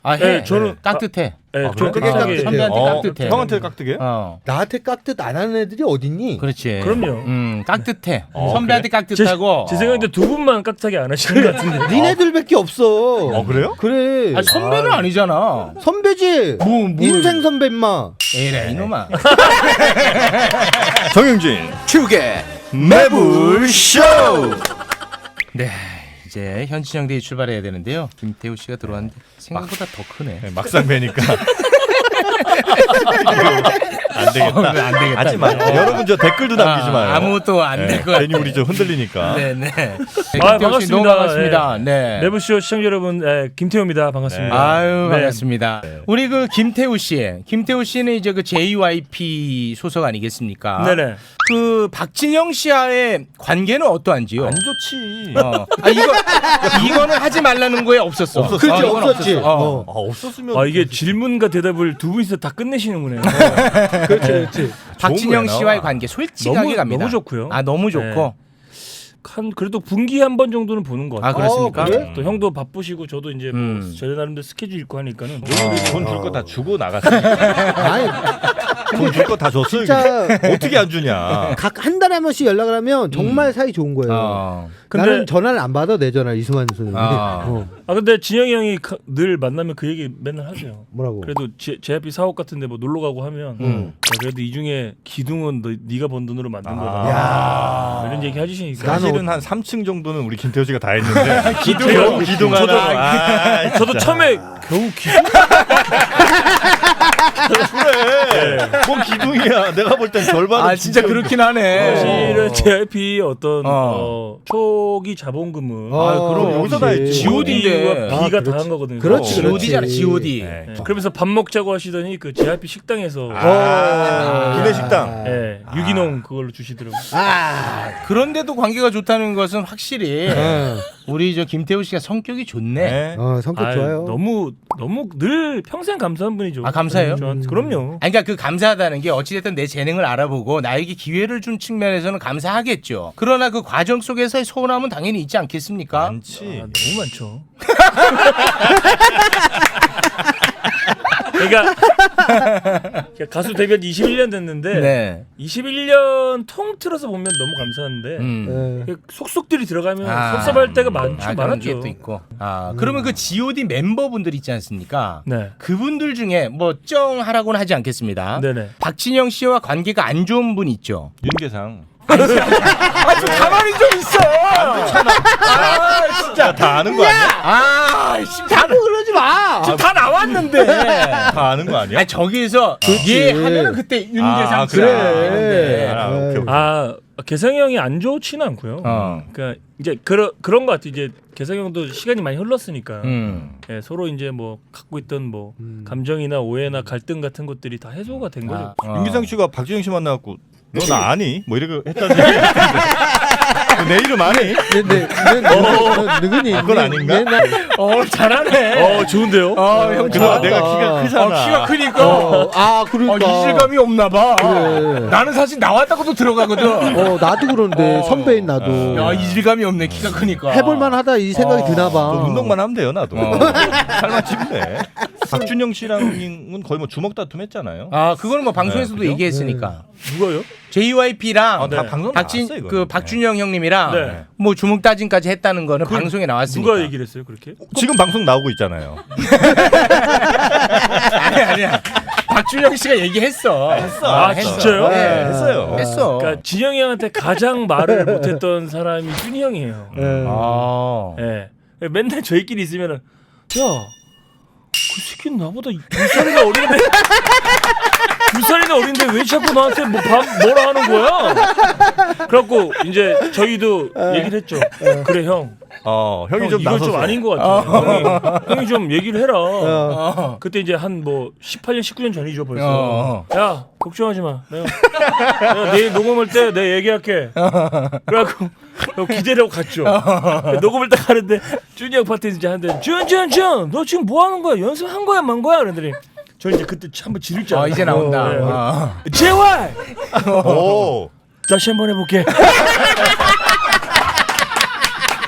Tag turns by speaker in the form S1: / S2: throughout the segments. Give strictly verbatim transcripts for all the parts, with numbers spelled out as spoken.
S1: 아, 해.
S2: 네, 저는
S1: 깍듯해.
S2: 네,
S3: 아,
S2: 좀
S3: 그래?
S2: 깍듯하게.
S1: 선배한테
S3: 어,
S1: 깍듯해.
S3: 형한테 깍듯해?
S1: 어.
S4: 나한테 깍듯 안 하는 애들이 어딨니?
S1: 그렇지.
S2: 그럼요.
S1: 음, 깍듯해.
S3: 어,
S1: 선배한테 깍듯하고.
S2: 제, 제 생각인데 두 분만 깍듯하게 안 하시는 것 같은데.
S4: 니네들밖에 없어.
S3: 어 그래요?
S4: 그래.
S1: 아, 선배는 아니잖아.
S4: 선배지.
S1: 뭐, 뭐.
S4: 인생 선배 임마.
S1: 에이래 이놈아.
S3: 정영진
S4: 축의
S3: 매불쇼.
S1: 네. 이제 현진영 대회 출발해야 되는데요. 김태우 씨가 들어왔는데 생각보다 더 크네.
S3: 네, 막상 뵈니까 안 되겠다.
S1: 어, 안 되겠다.
S3: 하지 마요. 여러분 저 댓글도 남기지 마요.
S1: 아, 아무것도 안 될 것 같아.
S3: 괜히 우리 좀 흔들리니까.
S1: 네네. 네,
S2: 아,
S1: 김태우 씨 너무
S2: 반갑습니다.
S1: 반갑습니다. 네.
S2: 매부쇼 시청자 여러분, 예, 김태우입니다. 반갑습니다.
S1: 아유
S2: 네.
S1: 반갑습니다. 우리 그 김태우 씨, 김태우 씨는 이제 그 제이와이피 소속 아니겠습니까?
S2: 네네.
S1: 그 박진영 씨와의 관계는 어떠한지요?
S3: 안 좋지.
S1: 어. 아 이거 이거는 하지 말라는 거에 없었어.
S3: 없었어.
S4: 그렇지,
S1: 어, 이건
S4: 없었지.
S1: 없었어. 어.
S4: 어.
S3: 아 없었으면.
S2: 아 이게 질문과 대답을 두 분이서 다 끝내시는군요.
S4: 그렇지, 그렇지.
S1: 박진영
S3: 거야,
S1: 씨와의
S3: 나와.
S1: 관계 솔직하게
S2: 너무-
S1: 갑니다.
S2: 너무 좋고요.
S1: 아 너무 좋고.
S2: 한 그래도 분기 한 번 정도는 보는 것
S1: 아
S2: 같아요.
S1: 그렇습니까?
S4: 어, 그래?
S2: 또 형도 바쁘시고 저도 이제
S1: 음.
S2: 뭐 저희 나름대로 스케줄 있고 하니까는
S3: 돈 줄 거 다 주고 나갔어.
S4: 아니,
S3: 돈 줄 거 다 줬어.
S4: 진짜
S3: 어떻게 안 주냐.
S4: 각 한 달에 한 번씩 연락을 하면 정말 사이 좋은 거예요.
S1: 어.
S2: 근데-
S4: 나는 전화를 안 받아 내 전화 이수만 선생님이.
S1: 아.
S4: 어.
S2: 아 근데 진영이 형이 가- 늘 만나면 그 얘기 맨날 하세요.
S4: 뭐라고?
S2: 그래도 제이아이피 사옥 같은데 뭐 놀러 가고 하면
S4: 음.
S2: 야, 그래도 이 중에 기둥은 너, 네가 번 돈으로 만든 거다.
S3: 야.
S2: 이런 얘기 해주시니까
S4: 나는
S3: 사실은 한 삼 층 정도는 우리 김태호 씨가 다 했는데
S2: 기둥,
S3: 겨우 기둥
S2: 저도-
S3: 하나. 아,
S2: 저도
S3: 진짜.
S2: 처음에 겨우 기둥
S3: 그래. 뭔 기둥이야. 내가 볼 땐 절반은
S1: 아 진짜 그렇긴 하네.
S2: 사실은 제이아이피 어떤
S1: 어.
S2: 어, 초기 자본금은
S4: 아,
S3: 그럼 여기서 다 했지.
S1: 지오디인데.
S2: B가
S4: 아,
S2: 다
S4: 그렇지.
S2: 한 거거든요.
S4: 그렇지,
S2: 어.
S4: 그렇지.
S1: 지오디잖아 지오디.
S3: 네.
S2: 네. 그러면서 밥 먹자고 하시더니 그 제이아이피 식당에서
S3: 아,
S4: 어.
S3: 구내식당.
S2: 예, 유기농 그걸로 주시더라고요.
S4: 아.
S1: 그런데도 관계가 좋다는 것은 확실히
S4: 어.
S1: 우리 저 김태우 씨가 성격이 좋네.
S3: 네.
S4: 어, 성격
S2: 아유,
S4: 좋아요.
S2: 너무 너무 늘 평생 감사한 분이죠.
S1: 아, 감사해요?
S2: 저한테. 그럼요.
S1: 아니, 그러니까 그 감사하다는 게 어찌됐든 내 재능을 알아보고 나에게 기회를 준 측면에서는 감사하겠죠. 그러나 그 과정 속에서의 서운함은 당연히 있지 않겠습니까?
S2: 아,
S3: 많지.
S2: 너무 많죠. 그러니까 가수 데뷔한 지 이십일 년 됐는데
S1: 네.
S2: 이십일 년 통틀어서 보면 너무 감사한데
S1: 음.
S4: 네.
S2: 속속들이 들어가면
S1: 아.
S2: 섭섭할 때가 많죠.
S1: 아, 그런 게
S2: 많았죠.
S1: 또 있고. 아, 그러면 그 지오디 멤버분들 있지 않습니까?
S2: 네.
S1: 그분들 중에 뭐 쩡하라고는 하지 않겠습니다.
S2: 네네.
S1: 박진영 씨와 관계가 안 좋은 분 있죠.
S3: 윤계상.
S1: 아, 좀 가만히 좀 있어. 아,
S3: 진짜 다 아는 거 아니야?
S1: 아, 씨, 다,
S4: 자꾸 그러지 마.
S1: 지금 다 나왔는데.
S3: 다 아는 거 아니야?
S1: 아니 저기서 얘 하면은 그때 윤계상
S3: 아,
S1: 씨가
S3: 그래.
S1: 나오는데.
S3: 아, 오케이, 오케이.
S2: 아 개성이 형이 안 좋지는 않고요.
S1: 어.
S2: 그러니까 이제 그런 그런 것 같아. 이제 개성이 형도 시간이 많이 흘렀으니까
S1: 음.
S2: 예, 서로 이제 뭐 갖고 있던 뭐
S4: 음.
S2: 감정이나 오해나 갈등 같은 것들이 다 해소가 된 거죠.
S1: 아, 어.
S3: 윤계상 씨가 박진영 씨 만나갖고 너 나 아니? 뭐 이렇게 했다는 얘기. 내 이름 아니?
S4: 네, 네, 네, 네, 누구니?
S3: 그건 아닌가?
S4: 네, 나-
S1: 어 잘하네.
S2: 어 좋은데요?
S1: 어, 형
S3: 그거
S1: 좋아.
S3: 내가 키가 크잖아.
S1: 어, 키가 크니까.
S4: 어, 아,
S1: 어,
S4: 그러니까.
S1: 이질감이 없나 봐.
S4: 그래.
S1: 나는 사실 나왔다고도 들어가거든.
S4: 어, 나도 그런데
S1: 어.
S4: 선배인 나도.
S1: 야, 이질감이 없네. 키가 크니까.
S4: 해볼만하다 이 생각이
S1: 어.
S4: 드나 봐.
S3: 너 운동만 하면 돼요 나도.
S1: 어.
S3: 살만 찌면 돼. 박준영 씨랑은 거의 뭐 주먹 다툼 했잖아요.
S1: 아, 그거는 뭐 방송에서도
S3: 네, 그죠?
S1: 얘기했으니까.
S2: 누가요?
S1: 제이와이피랑
S3: 아, 다
S2: 네.
S3: 방송
S1: 박진
S3: 나왔어, 이거.
S1: 그 박준영 형님이랑
S2: 네.
S1: 뭐 주먹 따진까지 했다는 거는 방송에 나왔으니까.
S2: 누가 얘기를 했어요 그렇게?
S3: 지금 방송 나오고 있잖아요.
S1: 아니 아니야. 박준영 씨가 얘기했어. 했어.
S2: 아, 진짜요?
S1: 네.
S3: 네, 했어요.
S1: 했어.
S2: 그러니까 진영이 형한테 가장 말을 못했던 사람이 준이 형이에요.
S4: 예.
S1: 아.
S2: 예. 맨날 저희끼리 있으면은 야, 그 새끼는 나보다 두 살이나 어린데 두 살이나 어린데 왜 자꾸 나한테 뭐 밥, 뭐라 하는 거야? 그래갖고 이제 저희도 얘기를 했죠. 그래 형.
S3: 어, 형이
S2: 형,
S3: 좀
S2: 이건
S3: 나섰어.
S2: 좀 아닌 것 같아. 형이, 형이 좀 얘기를 해라.
S1: 어.
S2: 그때 이제 한 뭐 십팔 년, 십구 년 전이죠 벌써.
S1: 어.
S2: 야 걱정하지 마. 내가, 내가 내일 녹음할 때 내가 얘기할게. 그래갖고 기대라고 갔죠. 녹음을 딱 하는데 준이 형 파트 이제 하는데 준준준 너 지금 뭐 하는 거야? 연습한 거야 만 거야? 그러더니 저 이제 그때 한번 지를 줄
S1: 어,
S2: 알았어요.
S1: 이제 나온다.
S2: 네.
S1: 어.
S2: 제발
S3: 오.
S2: 다시 한번 해볼게.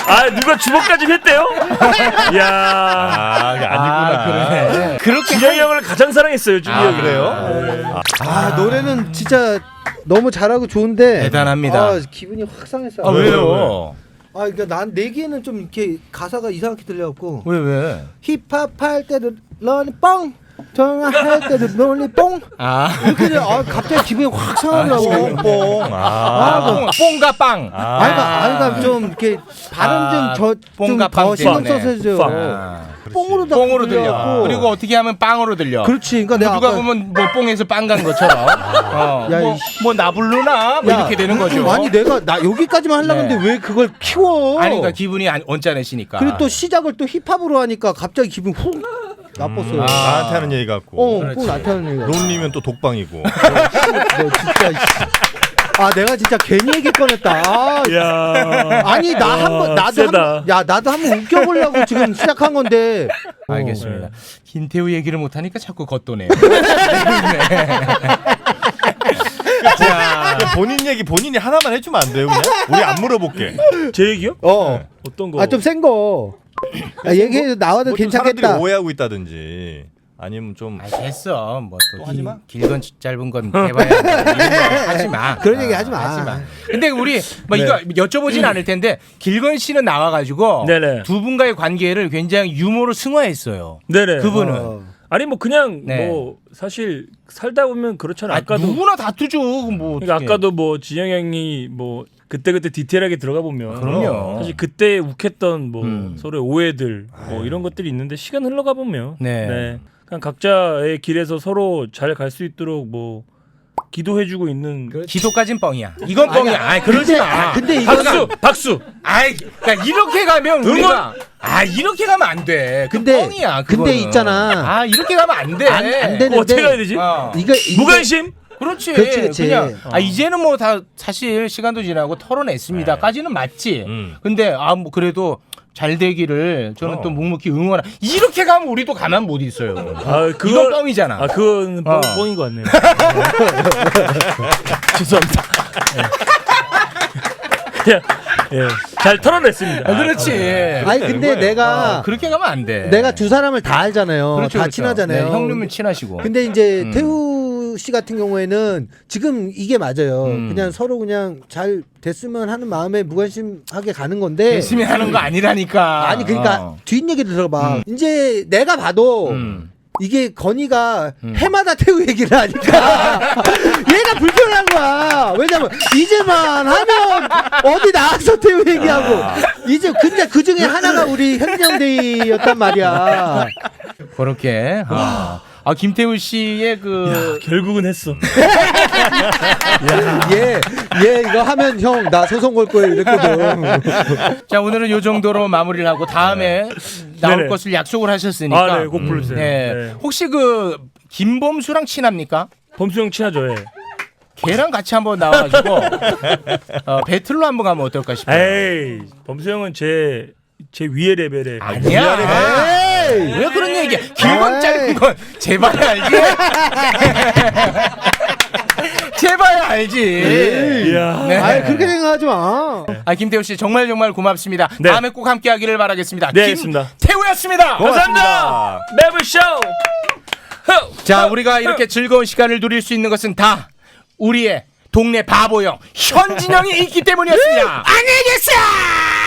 S2: 아 누가 주먹까지 했대요? 야,
S3: 아, 이게 아니구나.
S1: 그러네. 그렇게
S2: 준영이 형을 가장 사랑했어요, 준이
S3: 아,
S2: 형이.
S3: 그래요?
S4: 아 노래는 진짜 너무 잘하고 좋은데
S1: 대단합니다.
S4: 아, 기분이 확 상했어.
S1: 아, 왜요?
S4: 아 그러니까 난 내기에는 좀 이렇게 가사가 이상하게 들려갖고
S1: 왜 왜?
S4: 힙합 할 때도 런이 뻥 전화할 때도 런이 뻥
S1: 아,
S4: 이렇게 돼. 아 갑자기 기분이 확 상하더라고.
S3: 뽕뽕.
S1: 아,
S3: 아.
S1: 뽕, 뽕과 빵.
S3: 아.
S4: 아이가 아이가 좀 이렇게 발음
S1: 아, 뽕과
S4: 좀저좀더
S1: 빵
S4: 신경
S1: 때문에.
S4: 써서 해줘.
S2: 빵.
S1: 아,
S4: 뽕으로 다
S1: 뽕으로 들려.
S4: 들려갖고.
S1: 그리고 어떻게 하면 빵으로 들려.
S4: 그렇지. 그러니까 내가
S1: 누가
S4: 아까
S1: 보면 뭐 뽕에서 빵 간 것처럼. 어,
S4: 야,
S1: 뭐,
S4: 이씨.
S1: 뭐 나불르나 뭐
S4: 야,
S1: 이렇게 되는 거죠.
S4: 아니 내가 나 여기까지만 하려고
S1: 네.
S4: 했는데 왜 그걸 키워?
S1: 아니, 그러니까 기분이 안- 언짢으시니까.
S4: 그리고 또 시작을 또 힙합으로 하니까 갑자기 기분 훅 나빴어요.
S3: 아, 나한테 하는 얘기 같고.
S4: 어,
S1: 그렇지.
S4: 꼭 나타나는 얘기가.
S3: 론리면 또 독방이고.
S4: 너 진짜. 이씨. 아 내가 진짜 괜히 얘기 꺼냈다. 아,
S2: 야,
S4: 아니 나 한 번 나도
S2: 세다.
S4: 한, 야 나도 한번 웃겨보려고 지금 시작한 건데. 어.
S1: 알겠습니다. 김태우 얘기를 못하니까 자꾸 겉도네요. 자,
S3: 본인 얘기 본인이 하나만 해주면 안 돼요, 그냥? 우리 안 물어볼게.
S2: 제 얘기요?
S4: 어.
S2: 어떤 거?
S4: 아 좀 센 거. 야, 얘기해도 나와도
S3: 뭐좀 사람들이
S4: 괜찮겠다.
S3: 오해하고 있다든지 아니면 좀
S1: 아, 됐어. 뭐 또
S3: 하지 마?
S1: 길건 짧은 건 해봐야 돼. 이런 거 하지 마.
S4: 그런 얘기
S1: 아,
S4: 하지 마.
S1: 하지 마. 근데 우리 뭐
S4: 네.
S1: 이거 여쭤보진 않을 텐데 길건 씨는 나와가지고
S2: 네네.
S1: 두 분과의 관계를 굉장히 유머로 승화했어요.
S2: 네네.
S1: 그분은
S4: 어.
S2: 아니 뭐 그냥
S1: 네.
S2: 뭐 사실 살다 보면 그렇잖아.
S1: 아,
S2: 아까도
S1: 누구나 다투죠. 뭐
S2: 그러니까
S1: 어떡해.
S2: 아까도 뭐 지영 형이 뭐 그때 그때 디테일하게 들어가 보면
S1: 그럼요.
S2: 사실 그때 욱했던 뭐
S1: 음.
S2: 서로의 오해들 뭐 이런 것들이 있는데 시간 흘러가 보면
S1: 네.
S2: 그냥 각자의 길에서 서로 잘 갈 수 있도록 뭐 기도해주고 있는
S1: 기도까진 뻥이야. 이건 뻥이야. 아이, 그러지
S4: 근데,
S1: 마.
S4: 아, 근데 이거는
S2: 박수 박수.
S1: 아이, 그러니까 이렇게 가면 우리가 아 이렇게 가면 안 돼. 그
S4: 근데-
S1: 뻥이야.
S4: 근데
S1: 그거는.
S4: 있잖아.
S1: 아 이렇게 가면 안 돼.
S4: 안, 안 되는데.
S2: 그거 어떻게 가야 되지?
S1: 어.
S4: 이거 이거-
S2: 무관심?
S1: 그렇지.
S4: 그렇지, 그렇지.
S1: 그냥 아 이제는 뭐 다 사실 시간도 지나고 털어냈습니다까지는 맞지.
S3: 음.
S1: 근데 아 뭐 그래도 잘 되기를 저는
S3: 어.
S1: 또 묵묵히 응원하. 이렇게 가면 우리도 가만 못 있어요.
S2: 아
S1: 이건
S2: 그거
S1: 뻥이잖아.
S2: 아 그건 뻥,
S1: 어.
S2: 뻥인 것 같네요. 죄송합니다. 예, 예, 잘 털어냈습니다.
S1: 아, 그렇지.
S4: 아니 근데 내가
S1: 어, 그렇게 가면 안 돼.
S4: 내가 두 사람을 다 알잖아요.
S1: 그렇죠,
S4: 다
S1: 그렇죠.
S4: 친하잖아요.
S1: 네, 형님은 친하시고.
S4: 근데 이제
S1: 음.
S4: 태우 씨 같은 경우에는 지금 이게 맞아요.
S1: 음.
S4: 그냥 서로 그냥 잘 됐으면 하는 마음에 무관심하게 가는 건데.
S1: 열심히 하는 거 아니라니까.
S4: 아니 그러니까
S1: 어.
S4: 뒷얘기 들어봐.
S1: 음.
S4: 이제 내가 봐도
S1: 음.
S4: 이게 건이가
S1: 음.
S4: 해마다 태우 얘기를 하니까 얘가 불편한 거야. 왜냐면 이제만 하면 어디 나와서 태우 얘기하고 이제 근데 그 중에 하나가 우리 현정데이였단 말이야.
S1: 그렇게. 아, 아 김태우 씨의 그
S2: 결국은 했어.
S4: 얘, 얘 이거 하면 형 나 소송 걸 거예요 이랬거든.
S1: 자 오늘은 요 정도로 마무리를 하고 다음에 나올
S2: 네네.
S1: 것을 약속을 하셨으니까.
S2: 아, 네, 곡 불러주세요.
S1: 네.
S2: 네.
S1: 혹시 그 김범수랑 친합니까?
S2: 범수 형 친하죠, 예.
S1: 걔랑 같이 한번 나와가지고 어, 배틀로 한번 가면 어떨까 싶어요.
S2: 에이, 범수 형은 제, 제 위의 레벨에.
S1: 아니야.
S4: 에이.
S1: 왜 그런 얘기야? 길건
S4: 에이.
S1: 짧은 건 제발 알지. 제발 알지.
S2: 이야.
S1: 네.
S4: 아니 그렇게 생각하지 마.
S1: 아 김태우 씨 정말 정말 고맙습니다.
S2: 네.
S1: 다음에 꼭 함께하기를 바라겠습니다.
S2: 네, 알겠습니다.
S1: 김태우였습니다.
S2: 감사합니다. 매블쇼.
S1: 자 우리가 이렇게 즐거운 시간을 누릴 수 있는 것은 다 우리의 동네 바보형 현진영이 있기 때문이었습니다. 안녕히 계세요.